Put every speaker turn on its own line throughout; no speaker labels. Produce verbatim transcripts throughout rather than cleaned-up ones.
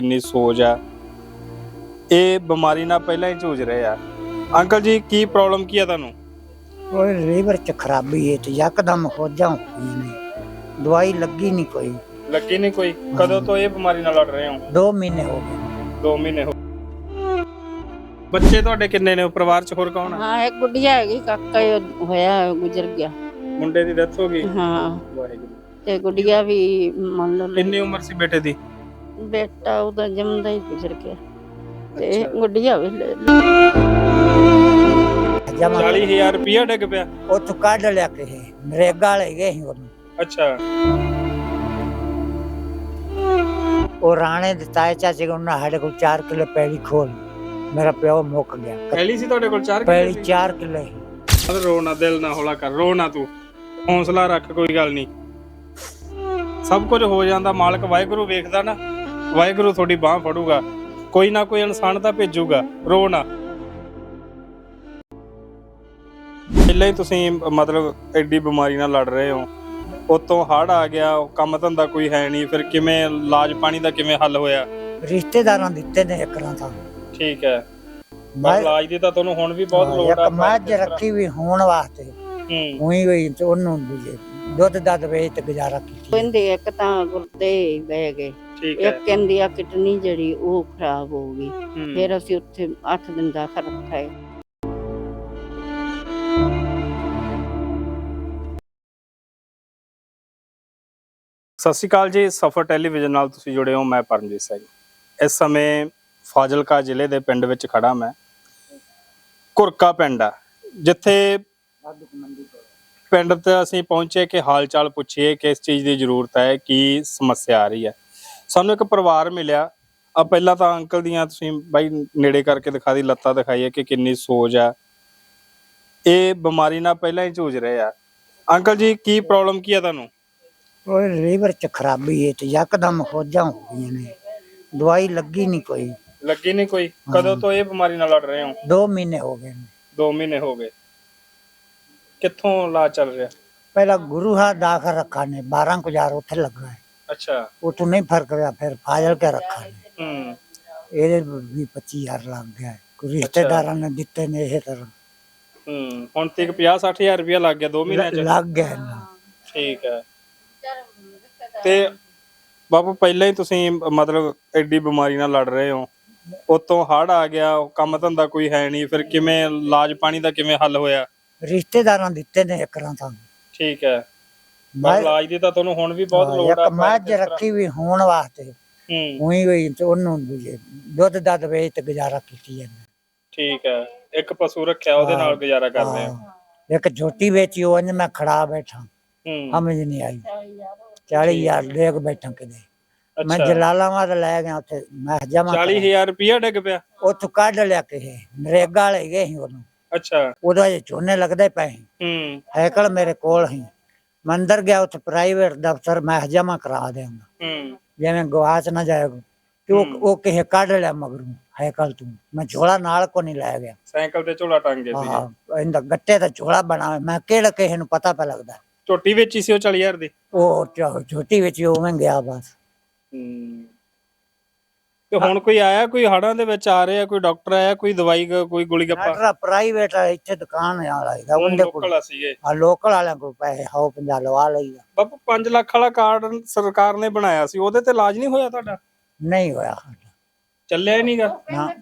ਕਿੰਨੀ ਸੋਚ ਆ ਇਹ ਬਿਮਾਰੀ ਨਾਲ ਪਹਿਲਾਂ ਹੀ ਝੂਝ ਰਹੇ ਆ। ਅੰਕਲ ਜੀ ਕੀ ਪ੍ਰੋਬਲਮ ਕੀ ਆ ਤੁਹਾਨੂੰ?
ਉਹ ਲੀਵਰ ਚ ਖਰਾਬੀ ਹੈ ਤੇ ਯਕਦਮ ਖੋਜਾਂ ਹੋਈਆਂ ਨੇ, ਦਵਾਈ ਲੱਗੀ ਨਹੀਂ ਕੋਈ।
ਲੱਗੀ ਨਹੀਂ ਕੋਈ? ਕਦੋਂ ਤੋਂ ਇਹ ਬਿਮਾਰੀ ਨਾਲ ਲੜ ਰਹੇ ਹੋ?
ਦੋ ਮਹੀਨੇ ਹੋ ਗਏ।
ਦੋ ਮਹੀਨੇ ਹੋ। ਬੱਚੇ ਤੁਹਾਡੇ ਕਿੰਨੇ ਨੇ? ਪਰਿਵਾਰ ਚ ਹੋਰ ਕੌਣ ਆ?
ਹਾਂ ਇੱਕ ਗੁੱਡੀਆ ਹੈਗੀ, ਕਾਕਾ ਹੀ ਹੋਇਆ ਗੁਜ਼ਰ ਗਿਆ।
ਮੁੰਡੇ ਦੀ ਡੈਥ ਹੋ ਗਈ?
ਹਾਂ
ਵਾਹਿਗੁਰੂ।
ਤੇ ਗੁੱਡੀਆ ਵੀ ਮੰਨ ਲਓ
ਕਿੰਨੀ ਉਮਰ ਸੀ ਬੇਟੇ ਦੀ?
ਬੇਟਾ ਉਹਦਾ ਜੰਮਦਾ ਹੀ ਗੁਜ਼ਰ ਗਿਆ ਤੇ ਗੁੱਡੀਆ ਵੀ ਲੈ
ਚਾਲੀ ਹਜ਼ਾਰ ਰੁਪਇਆ ਡਿੱਗ ਪਿਆ
ਉੱਥੋਂ ਕੱਢ ਲਿਆ ਕਿਸੇ ਨਰੇਗਾ ਵਾਲੇ ਗਏ ਸੀ ਉਹਨੂੰ।
ਅੱਛਾ।
ਉਹ ਰਾਣੇ ਦੇ ਤਾਏ ਚਾਚੇ ਕੋਲ ਉਹਨਾਂ ਸਾਡੇ ਕੋਲ ਚਾਰ ਕਿੱਲੇ ਪੈਲੀ ਖੋਲ, ਮੇਰਾ ਪਿਓ ਮੁੱਕ ਗਿਆ।
ਪਹਿਲੀ ਸੀ ਤੁਹਾਡੇ ਕੋਲ ਚਾਰ
ਪੈਲੀ ਚਾਰ ਕਿੱਲੇ ਸੀ।
ਰੋ ਨਾ, ਦਿਲ ਨਾ ਹੌਲਾ ਕਰ, ਰੋ ਨਾ, ਤੂੰ ਹੌਸਲਾ ਰੱਖ, ਕੋਈ ਗੱਲ ਨਹੀਂ, ਸਭ ਕੁਝ ਹੋ ਜਾਂਦਾ। ਮਾਲਕ ਵਾਹਿਗੁਰੂ ਵੇਖਦਾ ਨਾ, ਵਾਹਿਗੁਰੂ ਤੁਹਾਡੀ ਬਾਹ ਫੜੂਗਾ, ਕੋਈ ਨਾ ਕੋਈ ਇਨਸਾਨ ਤਾਂ ਭੇਜੂਗਾ, ਰੋ ਨਾ। ਪਹਿਲਾਂ ਹੀ ਤੁਸੀਂ ਮਤਲਬ ਐਡੀ ਬਿਮਾਰੀ ਨਾਲ ਲੜ ਰਹੇ ਹੋ, ਉਤੋਂ ਹੜ੍ਹ ਆ ਗਿਆ, ਕੰਮ ਧੰਦਾ ਕੋਈ ਹੈ ਨਹੀਂ, ਫਿਰ ਕਿਵੇਂ ਇਲਾਜ ਪਾਣੀ ਦਾ ਕਿਵੇਂ ਹੱਲ ਹੋਇਆ?
ਰਿਸ਼ਤੇਦਾਰਾਂ ਦਿੱਤੇ ਨੇ ਇੱਕਰਾਂ ਤਾਂ।
ਠੀਕ ਹੈ, ਇਲਾਜ ਦੀ ਤਾਂ ਤੁਹਾਨੂੰ ਹੁਣ ਵੀ ਬਹੁਤ ਲੋੜ ਆ।
ਇੱਕ ਮੱਝ ਰੱਖੀ ਵੀ ਹੋਣ ਵਾਸਤੇ
ਹੂੰ
ਉਹੀ ਹੋਈ ਤੇ ਉਹਨੂੰ ਦੁੱਧ ਦੱਧ ਵੇਚ ਤੇ ਗੁਜ਼ਾਰਾ ਕੀਤੀ।
ਕਹਿੰਦੇ ਇੱਕ ਤਾਂ ਗੁਰਦੇ ਬਹਿ ਗਏ, ਇੱਕ ਕਹਿੰਦੀ ਆ ਕਿਡਨੀ ਜਿਹੜੀ ਉਹ ਖਰਾਬ ਹੋ ਗਈ। ਫਿਰ ਅਸੀਂ ਉੱਥੇ ਅੱਠ ਦਿਨ ਦਾਖਲ ਰੱਖਾਏ।
ਸਤਿ ਸ਼੍ਰੀ ਅਕਾਲ ਜੀ, ਸਫਰ ਟੈਲੀਵਿਜ਼ਨ ਨਾਲ ਤੁਸੀਂ ਜੁੜੇ ਹੋ। ਮੈਂ ਪਰਮਜੀਤ ਸਿੰਘ। ਇਸ ਸਮੇਂ ਫਾਜ਼ਿਲਕਾ ਜ਼ਿਲ੍ਹੇ ਦੇ ਪਿੰਡ ਵਿੱਚ ਖੜਾ ਮੈਂ। ਘੁਰਕਾ ਪਿੰਡ ਆ, ਜਿੱਥੇ ਪਿੰਡ ਤੇ ਅਸੀਂ ਪਹੁੰਚੇ ਕਿ ਹਾਲ ਚਾਲ ਪੁੱਛੀਏ, ਕਿਸ ਚੀਜ਼ ਦੀ ਜ਼ਰੂਰਤ ਹੈ, ਕੀ ਸਮੱਸਿਆ ਆ ਰਹੀ ਹੈ। ਸਾਨੂੰ ਇੱਕ ਪਰਿਵਾਰ ਮਿਲਿਆ। ਆ ਪਹਿਲਾਂ ਤਾਂ ਅੰਕਲ ਦੀਆਂ ਤੁਸੀਂ ਬਾਈ ਨੇੜੇ ਕਰਕੇ ਦਿਖਾ ਦੀ, ਲੱਤਾਂ ਦਿਖਾਈਏ ਕਿ ਕਿੰਨੀ ਸੋਜ ਆ। ਇਹ ਬਿਮਾਰੀ ਨਾਲ ਪਹਿਲਾਂ ਹੀ ਝੂਝ ਰਹੇ ਆ। ਅੰਕਲ ਜੀ ਕੀ ਪ੍ਰੋਬਲਮ ਕੀ ਆ ਤੁਹਾਨੂੰ?
ਉਹ ਲੀਵਰ ਚ ਖਰਾਬੀ ਹੈ ਤੇ ਯਕਦਮ ਖੋਜਾਂ ਹੋ ਗਈਆਂ ਨੇ, ਦਵਾਈ ਲੱਗੀ ਨਹੀਂ ਕੋਈ।
ਲੱਗੀ ਨਹੀਂ ਕੋਈ? ਕਦੋਂ ਤੋਂ ਇਹ ਬਿਮਾਰੀ ਨਾਲ ਲੜ ਰਹੇ ਹੋ?
ਦੋ ਮਹੀਨੇ ਹੋ ਗਏ ਨੇ।
ਦੋ ਮਹੀਨੇ ਹੋ ਗਏ। ਕਿੱਥੋਂ ਇਲਾਜ ਚੱਲ ਰਿਹਾ?
ਪਹਿਲਾਂ ਗੁਰੂ ਹਾਂ ਦਾਖਲ ਰੱਖਾ ਨੇ, ਬਾਰਾਂ ਕੁ ਹਜ਼ਾਰ ਉੱਥੇ ਲੱਗਾ ਹੈ।
ਅੱਛਾ।
ਉਤੋਂ ਨਹੀਂ ਫਰਕ ਪਿਆ, ਫਿਰ ਫਾਜ਼ਲ ਕੇ ਰੱਖਾ ਨੇ,
ਹੂੰ
ਇਹਦੇ ਵੀ ਪੱਚੀ ਹਜ਼ਾਰ ਲੱਗ ਗਿਆ। ਕੋਈ ਰਿਸ਼ਤੇਦਾਰਾਂ ਨੇ ਦਿੱਤੇ ਨੇ ਇਹ ਤਰ੍ਹਾਂ।
ਹੂੰ ਹੁਣ ਤੱਕ ਪੰਜਾਹ ਸੱਠ ਹਜ਼ਾਰ ਰੁਪਇਆ ਲੱਗ ਗਿਆ ਦੋ ਮਹੀਨਿਆਂ ਚ?
ਲੱਗ ਗਿਆ ਨਾ।
ਠੀਕ ਹੈ। ਤੇ ਬਾਪੂ ਪਹਿਲਾਂ ਹੀ ਤੁਸੀਂ ਮਤਲਬ ਐਡੀ ਬਿਮਾਰੀ ਨਾਲ ਲੜ ਰਹੇ ਹੋ, ਉਤੋਂ ਹੜ੍ਹ ਆ ਗਿਆ, ਕੰਮ ਧੰਦਾ ਕੋਈ ਹੈ ਨਹੀਂ, ਫਿਰ ਕਿਵੇਂ ਇਲਾਜ ਪਾਣੀ ਦਾ ਕਿਵੇਂ ਹੱਲ ਹੋਇਆ?
ਰਿਸ਼ਤੇਦਾਰਾਂ ਦਿੱਤੇ ਨੇ ਇੱਕਰਾਂ ਤਾਂ।
ਠੀਕ ਹੈ, ਇਲਾਜ ਦੀ ਤਾਂ ਤੁਹਾਨੂੰ ਹੁਣ ਵੀ ਬਹੁਤ ਲੋੜ ਆ।
ਇੱਕ ਮੱਝ ਰੱਖੀ ਵੀ ਹੋਣ ਵਾਸਤੇ
ਹੂੰ
ਉਹੀ ਹੋਈ ਤੇ ਉਹਨੂੰ ਦੁੱਧ ਦੱਧ ਵੇਚ ਤੇ ਗੁਜ਼ਾਰਾ ਕੀਤੀ ਜਾਂਦਾ।
ਠੀਕ ਹੈ, ਇੱਕ ਪਸ਼ੂ ਰੱਖਿਆ ਉਹਦੇ ਨਾਲ ਗੁਜ਼ਾਰਾ ਕਰਦੇ ਆ।
ਇੱਕ ਝੋਟੀ ਵੇਚੀ, ਉਹ ਮੈਂ ਖੜਾ ਬੈਠਾ,
ਹੂੰ
ਸਮਝ ਨਹੀਂ ਆਈ। ਚਾਲੀ ਹਜ਼ਾਰ ਲੈ ਕੇ ਬੈਠਾ ਕਿਤੇ। ਮੈਂ ਜਲਾਲਾਬਾਦ ਲੈ ਗਿਆ, ਉੱਥੇ ਮੈਂ ਜਮਾ
ਚਾਲੀ ਹਜ਼ਾਰ ਰੁਪਇਆ ਡਿੱਗ ਪਿਆ
ਉੱਥੋਂ ਕੱਢ ਲਿਆ ਕਿਸੇ ਨਰੇਗਾ ਵਾਲੇ ਗਏ ਸੀ ਉਹਨੂੰ।
ਅੱਛਾ।
ਉਹਦਾ ਜੇ ਝੋਨੇ ਲੱਗਦੇ ਪਏ
ਹੂੰ
ਹੈਕਲ ਮੇਰੇ ਕੋਲ ਹੀ। ਮੈਂ ਅੰਦਰ ਗਿਆ, ਉੱਥੇ ਪ੍ਰਾਈਵੇਟ ਦਫ਼ਤਰ ਮੈਂ ਜਮਾ ਕਰਾ ਦਿਆਂਗਾ,
ਹੂੰ
ਜਿਵੇਂ ਗਵਾਚ ਨਾ ਜਾਏਗਾ। ਤੇ ਉਹ ਉਹ ਕਿਸੇ ਕੱਢ ਲਿਆ ਮਗਰੋਂ ਹੈਕਲ ਤੂੰ। ਮੈਂ ਝੋਲਾ ਨਾਲ ਕੋ ਨਹੀਂ ਲੈ ਗਿਆ,
ਸਾਈਕਲ ਤੇ ਝੋਲਾ ਟੰਗ ਗਏ ਸੀ।
ਹਾਂ ਇਹਦਾ ਗੱਟੇ ਦਾ ਝੋਲਾ ਬਣਾ, ਮੈਂ ਕਿਹੜਾ ਕਿਸੇ ਨੂੰ ਪਤਾ ਪੈ ਲੱਗਦਾ।
ਝੋਟੀ ਵੇਚੀ ਸੀ ਉਹ ਚਾਲੀ ਹਜ਼ਾਰ ਦੀ?
ਉਹ ਝੋਟੀ ਵਿੱਚ ਉਵੇਂ ਗਿਆ ਬਸ।
ਹੂੰ ਤੇ ਹੁਣ ਕੋਈ ਆਇਆ, ਕੋਈ ਹੜਾਂ ਦੇ ਵਿੱਚ ਆ ਰਿਹਾ, ਕੋਈ ਡਾਕਟਰ ਆਇਆ, ਕੋਈ ਦਵਾਈ ਕੋਈ ਗੋਲੀ ਗੱਪਾ?
ਪ੍ਰਾਈਵੇਟ ਇੱਥੇ ਦੁਕਾਨ ਵਾਲਾ ਹੈਗਾ, ਉਹਦੇ ਕੋਲ
ਸੀਗੇ।
ਆ ਲੋਕਲ ਵਾਲਿਆਂ ਕੋਲ ਪੈਸੇ ਹਾਉ ਪੰਜਾ ਲਵਾ ਲਈਦਾ।
ਬਾਪੂ ਪੰਜ ਲੱਖ ਵਾਲਾ ਕਾਰਡ ਸਰਕਾਰ ਨੇ ਬਣਾਇਆ ਸੀ, ਉਹਦੇ ਤੇ ਇਲਾਜ ਨਹੀਂ ਹੋਇਆ ਤੁਹਾਡਾ?
ਨਹੀਂ ਹੋਇਆ,
ਚੱਲਿਆ ਹੀ ਨਹੀਂਗਾ।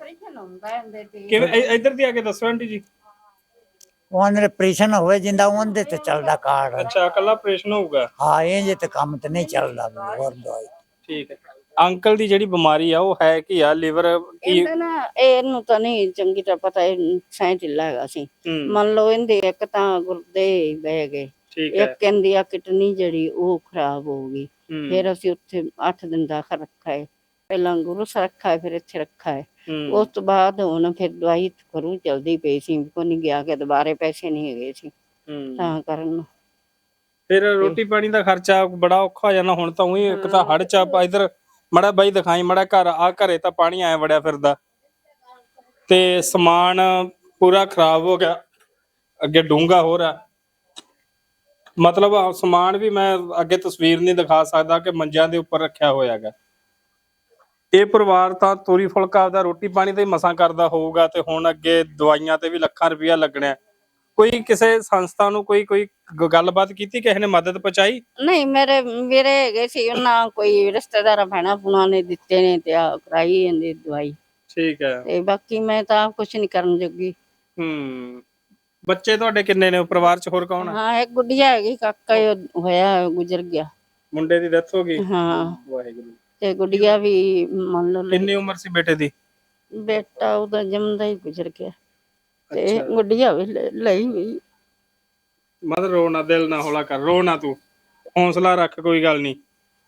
ਕਿਵੇਂ ਇੱਧਰ ਦੀ ਆ ਕੇ ਦੱਸੋ ਆਂਟੀ ਜੀ।
ਉਹਨੇ ਆਪਰੇਸ਼ਨ ਹੋਵੇ ਜਿੰਦਾ ਉਹਦੇ ਤੇ ਚੱਲਦਾ ਕਾਰਡ।
ਅੱਛਾ, ਕੱਲਾ ਆਪਰੇਸ਼ਨ ਹੋਊਗਾ?
ਹਾਂ, ਇਹ ਜੇ ਤੇ ਕੰਮ ਤੇ ਨਹੀਂ ਚੱਲਦਾ ਹੋਰ ਦਵਾਈ।
ਠੀਕ ਹੈ। ਅੰਕਲ ਦੀ ਜਿਹੜੀ ਬਿਮਾਰੀ ਆ ਉਹ ਹੈ ਕੀ ਆ? ਲੀਵਰ ਕੀ?
ਇਹਨੂੰ ਤਾਂ ਨਹੀਂ ਚੰਗੀ ਤਰ੍ਹਾਂ ਪਤਾ, ਇਹ ਸਾਇ ਢਿੱਲਾ ਹੈਗਾ ਸੀ। ਮੰਨ ਲਓ ਇਹਦੇ ਇੱਕ ਤਾਂ ਗੁਰਦੇ ਬਹਿ ਗਏ, ਇੱਕ ਕਹਿੰਦੀ ਆ ਕਿਡਨੀ ਜਿਹੜੀ ਉਹ ਖਰਾਬ ਹੋ ਗਈ। ਫਿਰ ਅਸੀਂ ਉੱਥੇ ਅੱਠ ਦਿਨ ਦਾਖਲ ਰੱਖਾਏ। ਪਹਿਲਾਂ ਗੁਰੂ ਸਰ ਰੱਖਾ, ਫਿਰ ਇੱਥੇ ਰੱਖਾ ਹੈ। ਉਸ ਤੋਂ ਬਾਅਦ ਹੁਣ ਫਿਰ ਦਵਾਈ ਘਰੋਂ ਚਲਦੀ ਪਈ ਸੀ, ਕੋ ਨਹੀਂ ਗਿਆ ਕਿ ਦੁਬਾਰੇ ਪੈਸੇ ਨਹੀਂ ਹੈਗੇ ਸੀ ਤਾਂ ਕਰਨ।
ਫਿਰ ਰੋਟੀ ਪਾਣੀ ਦਾ ਖਰਚਾ ਬੜਾ ਔਖਾ ਹੋ ਜਾਣਾ ਹੁਣ ਤਾਂ। ਉਹੀ ਇੱਕ ਤਾਂ ਹੜ ਚ ਇਧਰ ਮੜਾ ਬਾਈ ਦਿਖਾਈ, ਮੜਾ ਘਰ ਆ, ਘਰੇ ਤਾਂ ਪਾਣੀ ਆਇਆ ਵੜਿਆ ਫਿਰਦਾ ਤੇ ਸਮਾਨ ਪੂਰਾ ਖਰਾਬ ਹੋ ਗਿਆ, ਅੱਗੇ ਡੂੰਘਾ ਹੋ ਰਿਹਾ। ਮਤਲਬ ਸਮਾਨ ਵੀ ਮੈਂ ਅੱਗੇ ਤਸਵੀਰ ਨਹੀਂ ਦਿਖਾ ਸਕਦਾ ਕਿ ਮੰਜਿਆਂ ਦੇ ਉੱਪਰ ਰੱਖਿਆ ਹੋਇਆ ਹੈਗਾ। ਇਹ ਪਰਿਵਾਰ ਤਾਂ ਤੋਰੀ ਫੁਲਕਾ ਆਪਦਾ ਰੋਟੀ ਪਾਣੀ ਤੇ ਮਸਾਂ ਕਰਦਾ ਹੋਊਗਾ ਤੇ ਹੁਣ ਅੱਗੇ ਦਵਾਈਆਂ ਤੇ ਵੀ ਲੱਖਾਂ ਰੁਪਇਆ ਲੱਗਣਾ ਹੈ। ਕੋਈ ਕਿਸੇ ਸੰਸਥਾ ਨੂੰ ਕੋਈ ਕੋਈ ਗ- ਗੱਲਬਾਤ ਕੀਤੀ, ਕਿਸੇ ਨੇ ਮਦਦ ਪਹੁੰਚਾਈ?
ਨਹੀਂ ਮੇਰੇ ਮੇਰੇ ਹੈਗੇ ਸੀ ਉਹਨਾਂ ਕੋਈ ਰਿਸ਼ਤੇਦਾਰਾਂ ਭੈਣਾਂ ਭੂਣਾਂ ਨੇ ਦਿੱਤੇ ਨੇ ਤੇ ਆ ਕਰਾਈ ਜਾਂਦੀ ਦਵਾਈ
ਠੀਕ ਹੈ।
ਤੇ ਬਾਕੀ ਮੈਂ ਤਾਂ ਕੁਝ ਨਹੀਂ ਕਰਨ ਜੋਗੀ।
ਹੂੰ ਬੱਚੇ ਤੁਹਾਡੇ ਕਿੰਨੇ ਨੇ ਪਰਿਵਾਰ ਚ, ਹੋਰ ਕੌਣ ਆ?
ਹਾਂ ਇੱਕ ਗੁੱਡੀਆ ਹੈਗੀ, ਕਾਕਾ ਹੀ ਉਹ ਹੋਇਆ ਗੁਜ਼ਰ ਗਿਆ।
ਮੁੰਡੇ ਦੀ ਡੈਥ ਹੋ ਗਈ?
ਹਾਂ
ਵਾਹਿਗੁਰੂ।
ਤੇ ਗੁੱਡੀਆ ਵੀ ਮੰਨ ਲਓ ਲਈ-
ਕਿੰਨੀ ਉਮਰ ਸੀ ਬੇਟੇ ਦੀ?
ਬੇਟਾ ਉਹਦਾ ਜੰਮਦਾ ਹੀ ਗੁਜ਼ਰ ਗਿਆ ਤੇ
ਅੱਛਾ।
ਗੁੱਡੀਆ ਵੀ ਲੈ- ਲਈ ਹੋਈ।
ਮਤ ਰੋ ਨਾ, ਦਿਲ ਨਾ ਹੌਲਾ ਕਰ, ਰੋ ਨਾ ਤੂੰ, ਹੌਸਲਾ ਰੱਖ, ਕੋਈ ਗੱਲ ਨਹੀਂ,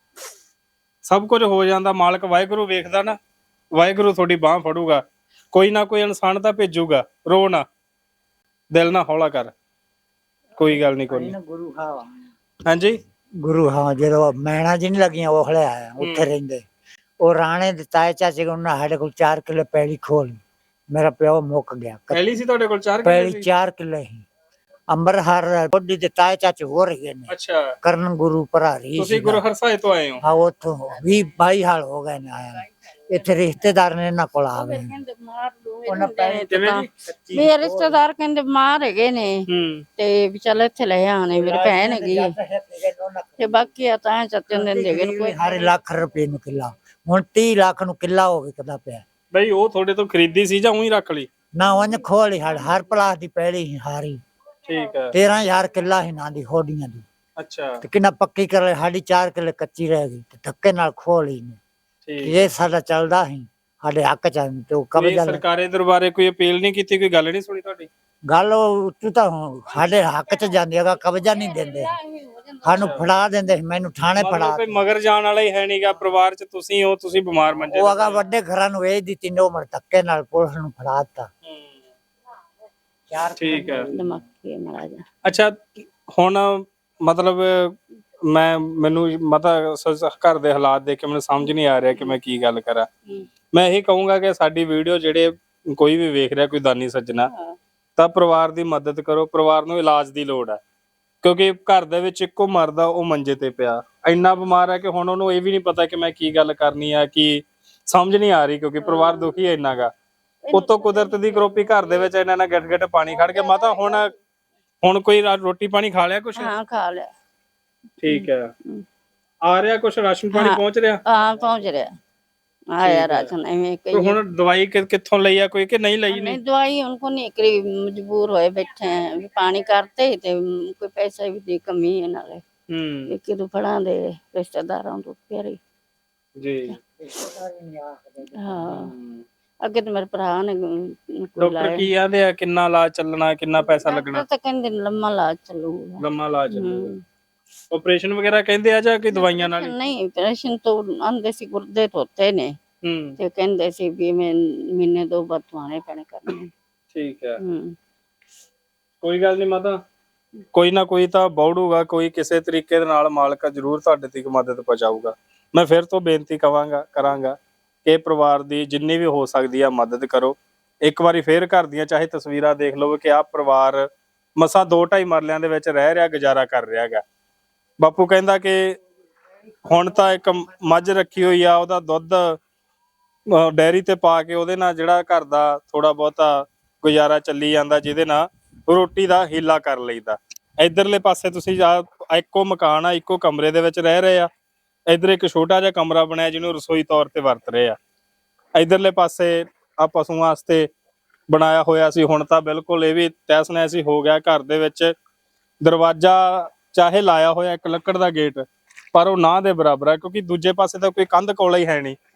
ਸਭ ਕੁਝ ਹੋ ਜਾਂਦਾ। ਮਾਲਕ ਵਾਹਿਗੁਰੂ ਵੇਖਦਾ ਨਾ, ਵਾਹਿਗੁਰੂ ਤੁਹਾਡੀ ਬਾਹ ਫੜੂਗਾ, ਕੋਈ ਨਾ ਕੋਈ ਇਨਸਾਨ ਤਾਂ ਭੇਜੂਗਾ। ਰੋ ਨਾ, ਦਿਲ ਨਾ ਹੌਲਾ ਕਰ, ਕੋਈ ਗੱਲ ਨਹੀਂ, ਕੋਈ ਨਹੀਂ।
ਗੁਰੂ ਹਾਂ
ਹਾਂਜੀ
ਗੁਰੂ ਹਾਂ ਜਦੋਂ ਮੈਣਾ ਜੀ ਨਹੀਂ ਲੱਗੀਆਂ ਉਹ ਹਲੇ ਆਇਆ ਉੱਥੇ ਰਹਿੰਦੇ। ਉਹ ਰਾਣੇ ਦੇ ਤਾਏ ਚਾਚੇ ਕੋਲ ਉਹਨਾਂ ਸਾਡੇ ਕੋਲ ਚਾਰ ਕਿੱਲੇ ਪੈਲੀ ਖੋਲ, ਮੇਰਾ ਪਿਓ ਮੁੱਕ ਗਿਆ।
ਪਹਿਲੀ ਸੀ ਤੁਹਾਡੇ ਕੋਲ ਚਾਰ
ਪੈਲੀ
ਕਿੱਲੇ ਸੀ?
ਚਾਰ ਕਿੱਲੇ ਹੀ ਅੰਬਰਹਰ ਬੋਡੀ ਦੇ ਤਾਏ ਚਾਚੇ ਹੋ ਰਹੇ ਨੇ।
ਅੱਛਾ,
ਕਰਨ ਗੁਰੂ ਭਰਾਰੀ
ਤੁਸੀਂ ਗੁਰੂ ਹਰਸਾਏ ਤੋਂ ਆਏ ਹੋ?
ਹਾਂ ਉੱਥੋਂ ਵੀਹ ਬਾਈ ਹਾਲ ਹੋ ਗਏ ਨੇ ਆਇਆ। ਇੱਥੇ ਰਿਸ਼ਤੇਦਾਰ ਨੇ ਇਹਨਾਂ ਕੋਲ ਆ ਗਏ
ਕਹਿੰਦੇ ਮਾਰ ਦੋ
ਉਹਨਾਂ ਪੈਸੇ
ਕਿਵੇਂ ਜੀ?
ਮੇਰੇ ਰਿਸ਼ਤੇਦਾਰ ਕਹਿੰਦੇ ਮਾਰ ਹੈਗੇ ਨੇ
ਹੂੰ
ਤੇ ਵੀ ਚੱਲ ਇੱਥੇ ਲੈ ਆਣੇ, ਮੇਰੀ ਭੈਣ ਹੈਗੀ ਤੇ ਬਾਕੀ ਆ ਤਾਂ ਚਾਚੇ ਨੇ ਦੇਗੇ ਕੋਈ।
ਹਰ ਲੱਖ ਰੁਪਏ ਨੂੰ ਕਿੱਲਾ, ਹੁਣ ਤੀਹ ਲੱਖ ਨੂੰ ਕਿੱਲਾ ਹੋ ਵਿਕਦਾ ਪਿਆ।
ਬਈ ਉਹ ਤੁਹਾਡੇ ਤੋਂ ਖਰੀਦੀ ਸੀ ਜਾਂ ਉਹੀ ਰੱਖ ਲਈ?
ਨਾ ਉਹਨੇ ਖੋਲੀ ਹੜ ਹਰ ਪਲਾਸ ਦੀ ਪੈਲੀ ਸੀ ਹਾਰੀ,
ਠੀਕ ਹੈ।
ਤੇਰਾਂ ਹਜ਼ਾਰ ਕਿੱਲਾ ਸੀ ਨਾ ਦੀ ਹੋਡੀਆਂ ਦੀ।
ਅੱਛਾ
ਤੇ ਕਿੰਨਾ ਪੱਕੀ ਕਰ ਲਈ, ਸਾਡੀ ਚਾਰ ਕਿੱਲੇ ਕੱਚੀ ਰਹਿ ਗਈ ਤੇ ਧੱਕੇ ਨਾਲ ਖੋਲੀ ਨੇ।
ਠੀਕ।
ਇਹ ਸਾਡਾ ਚੱਲਦਾ ਸੀ ਸਾਡੇ ਹੱਕ ਚ ਤੇ ਉਹ
ਇਹ
ਕਬਜ਼ਾ ਲੈ-
ਸਰਕਾਰੀ ਦਰਬਾਰੇ ਕੋਈ ਅਪੀਲ ਨਹੀਂ ਕੀਤੀ, ਕੋਈ ਗੱਲ ਨਹੀਂ ਸੁਣੀ ਤੁਹਾਡੀ?
ਗੱਲ ਉਹ ਤੂੰ ਤਾਂ ਹੁਣ ਸਾਡੇ ਹੱਕ ਚ ਜਾਂਦੀ ਹੈਗਾ, ਕਬਜ਼ਾ ਨਹੀਂ ਦਿੰਦੇ ਸਾਨੂੰ, ਫੜਾ ਦਿੰਦੇ ਸੀ, ਮੈਨੂੰ ਥਾਣੇ ਫੜਾ
ਮਤਲਬ ਕੋਈ ਮਗਰ ਜਾਣ ਵਾਲਾ ਹੀ ਹੈ ਨਹੀਂਗਾ ਪਰਿਵਾਰ ਚ, ਤੁਸੀਂ ਹੋ, ਤੁਸੀਂ ਬਿਮਾਰ ਮੰਜੇ
ਉਹ
ਤੇ
ਅਗਾ ਵੱਡੇ ਘਰਾਂ ਨੂੰ ਵੇਚ ਦਿੱਤੀ ਨੇ, ਉਹ ਮਰ ਧੱਕੇ ਨਾਲ ਪੁਲਿਸ ਨੂੰ ਫੜਾ ਦਿੱਤਾ।
ਹੂੰ,
ਚਾਰ
ਠੀਕ ਹੈ।
ਦਿਮਾਗੀ ਮਾਰਾ ਜਾ
ਅੱਛਾ ਹੁਣ ਮਤਲਬ ਮੈਂ ਮੈਨੂੰ ਮਤਾ ਘਰ ਦੇ ਹਾਲਾਤ ਦੇਖ ਕੇ ਮੈਨੂੰ ਸਮਝ ਨਹੀਂ ਆ ਰਿਹਾ ਕਿ ਮੈਂ ਕੀ ਗੱਲ ਕਰਾਂ। ਮੈਂ ਇਹ ਕਹੂੰਗਾ ਕਿ ਸਾਡੀ ਵੀਡੀਓ ਜਿਹੜੇ ਕੋਈ ਵੀ ਵੇਖ ਰਿਹਾ, ਕੋਈ ਦਾਨੀ ਸੱਜਣਾ, ਤਾਂ ਪਰਿਵਾਰ ਦੀ ਮਦਦ ਕਰੋ। ਪਰਿਵਾਰ ਨੂੰ ਇਲਾਜ ਦੀ ਲੋੜ ਹੈ ਕਿਉਂਕਿ ਘਰ ਦੇ ਵਿੱਚ ਇੱਕੋ ਮਰਦਾ, ਉਹ ਮੰਜੇ ਤੇ ਪਿਆ, ਇੰਨਾ ਬਿਮਾਰ ਹੈ ਕਿ ਹੁਣ ਉਹਨੂੰ ਇਹ ਵੀ ਨਹੀਂ ਪਤਾ ਕਿ ਮੈਂ ਕੀ ਗੱਲ ਕਰਨੀ ਆ, ਕੀ ਸਮਝ ਨਹੀਂ ਆ ਰਹੀ ਕਿਉਂਕਿ ਪਰਿਵਾਰ ਦੁਖੀ ਹੈ ਇੰਨਾ ਗਾ। ਉਤੋਂ ਕੁਦਰਤ ਦੀ ਕਰੋਪੀ, ਘਰ ਦੇ ਵਿੱਚ ਇਹਨਾਂ ਨਾਲ ਗਿੱਟ ਗਿੱਟ ਪਾਣੀ ਖੜ ਕੇ। ਮਾਤਾ ਹੁਣ ਹੁਣ ਕੋਈ ਰਾ- ਰੋਟੀ ਪਾਣੀ ਖਾ ਲਿਆ ਕੁਛ?
ਹਾਂ ਖਾ ਲਿਆ।
ਠੀਕ ਹੈ। ਆ ਰਿਹਾ ਕੁਛ ਰਾਸ਼ਨ ਪਾਣੀ
ਹਾਂ।
ਪਹੁੰਚ ਰਿਹਾ?
ਹਾਂ ਪਹੁੰਚ ਰਿਹਾ, ਆਇਆ ਰਾਸ਼ਨ ਐਵੇਂ
ਤੇ
ਕਈ।
ਹੁਣ ਦਵਾਈ ਕਿ- ਕਿੱਥੋਂ ਲਈ ਆ ਕੋਈ ਕਿ ਨਹੀਂ ਲਈ?
नहीं
ਨਹੀਂ
दवाई उनको नहीं करी, मजबूर होए बैठे हैं भी पानी करते ही ते कोई पैसे भी दी कमी है नाले
ਹੂੰ
कि तू फड़ा दे रिश्तेदारों तो प्यारे।
ਜੀ।
हाँ अगे तो मेरे भरा ने कोई
ਡਾਕਟਰ
लाया
ਕੀ ਆਂਦੇ ਆ, ਕਿੰਨਾ ਇਲਾਜ ਚੱਲਣਾ, ਕਿੰਨਾ ਪੈਸਾ ਲੱਗਣਾ?
तो कहंदे लम्मा इलाज चलूगा।
ਲੰਮਾ ਇਲਾਜ ਚੱਲੂਗਾ।
हम्म।
ਆਪਰੇਸ਼ਨ ਵਗੈਰਾ ਕਹਿੰਦੇ ਆ ਜਾਂ ਕਿ ਦਵਾਈਆਂ ਨਾਲ ਹੀ?
नहीं ऑपरेशन तो आंदे सी गुर्दे धोते ने
ਹੂੰ
ते कहंदे सी भी मैं महीने दो बार तुआने पैने करने।
ਠੀਕ ਹੈ।
हम्म
ਕੋਈ ਗੱਲ ਨਹੀਂ ਮਾਤਾ, ਕੋਈ ਨਾ ਕੋਈ ਤਾਂ ਬੌੜੂਗਾ, ਕੋਈ ਕਿਸੇ ਤਰੀਕੇ ਦੇ ਨਾਲ ਮਾਲਕ ਜ਼ਰੂਰ ਤੁਹਾਡੇ ਤੱਕ ਮਦਦ ਪਹੁੰਚਾਊਗਾ। ਮੈਂ ਫਿਰ ਤੋਂ ਬੇਨਤੀ ਕਵਾਂਗਾ ਕਰਾਂਗਾ ਕਿ ਪਰਿਵਾਰ ਦੀ ਜਿੰਨੀ ਵੀ ਹੋ ਸਕਦੀ ਆ ਮਦਦ ਕਰੋ। ਇੱਕ ਵਾਰੀ ਫੇਰ ਘਰ ਦੀਆਂ ਚਾਹੇ ਤਸਵੀਰਾਂ ਦੇਖ ਲਓ ਕਿ ਆਹ ਪਰਿਵਾਰ ਮਸਾਂ ਦੋ ਢਾਈ ਮਰਲਿਆਂ ਦੇ ਵਿੱਚ ਰਹਿ ਰਿਹਾ, ਗੁਜ਼ਾਰਾ ਕਰ ਰਿਹਾ ਹੈਗਾ। ਬਾਪੂ ਕਹਿੰਦਾ ਕਿ ਹੁਣ ਤਾਂ ਇੱਕ ਮੱਝ ਰੱਖੀ ਹੋਈ ਆ, ਉਹਦਾ ਦੁੱਧ ਡੈਰੀ ਤੇ ਪਾ ਕੇ ਉਹਦੇ ਨਾਲ ਜਿਹੜਾ ਘਰ ਦਾ ਥੋੜਾ ਬਹੁਤਾ ਗੁਜ਼ਾਰਾ ਚੱਲੀ ਜਾਂਦਾ, ਜਿਹਦੇ ਨਾਲ ਰੋਟੀ ਦਾ ਹੀਲਾ ਕਰ ਲਈਦਾ। ਇਧਰਲੇ ਪਾਸੇ ਤੁਸੀਂ ਜਾ, ਇੱਕੋ ਮਕਾਨ ਆ, ਇੱਕੋ ਕਮਰੇ ਦੇ ਵਿੱਚ ਰਹਿ ਰਹੇ ਆ। ਇਧਰ ਇੱਕ ਛੋਟਾ ਜਿਹਾ ਕਮਰਾ ਬਣਿਆ ਜਿਹਨੂੰ ਰਸੋਈ ਤੌਰ ਤੇ ਵਰਤ ਰਹੇ ਆ। ਇਧਰਲੇ ਪਾਸੇ ਆ ਪਸ਼ੂਆਂ ਵਾਸਤੇ ਬਣਾਇਆ ਹੋਇਆ ਸੀ, ਹੁਣ ਤਾਂ ਬਿਲਕੁਲ ਇਹ ਵੀ ਤਹਿਸ ਨਹਿਸ ਹੀ ਹੋ ਗਿਆ। ਘਰ ਦੇ ਵਿੱਚ ਦਰਵਾਜ਼ਾ ਚਾਹੇ ਲਾਇਆ ਹੋਇਆ ਇੱਕ ਲੱਕੜ ਦਾ ਗੇਟ, ਪਰ ਉਹ ਨਾ ਦੇ ਬਰਾਬਰ ਹੈ ਕਿਉਂਕਿ ਦੂਜੇ ਪਾਸੇ ਤਾਂ ਕੋਈ ਕੰਧ ਕੋਲਾ ਹੀ ਹੈ ਨਹੀਂ।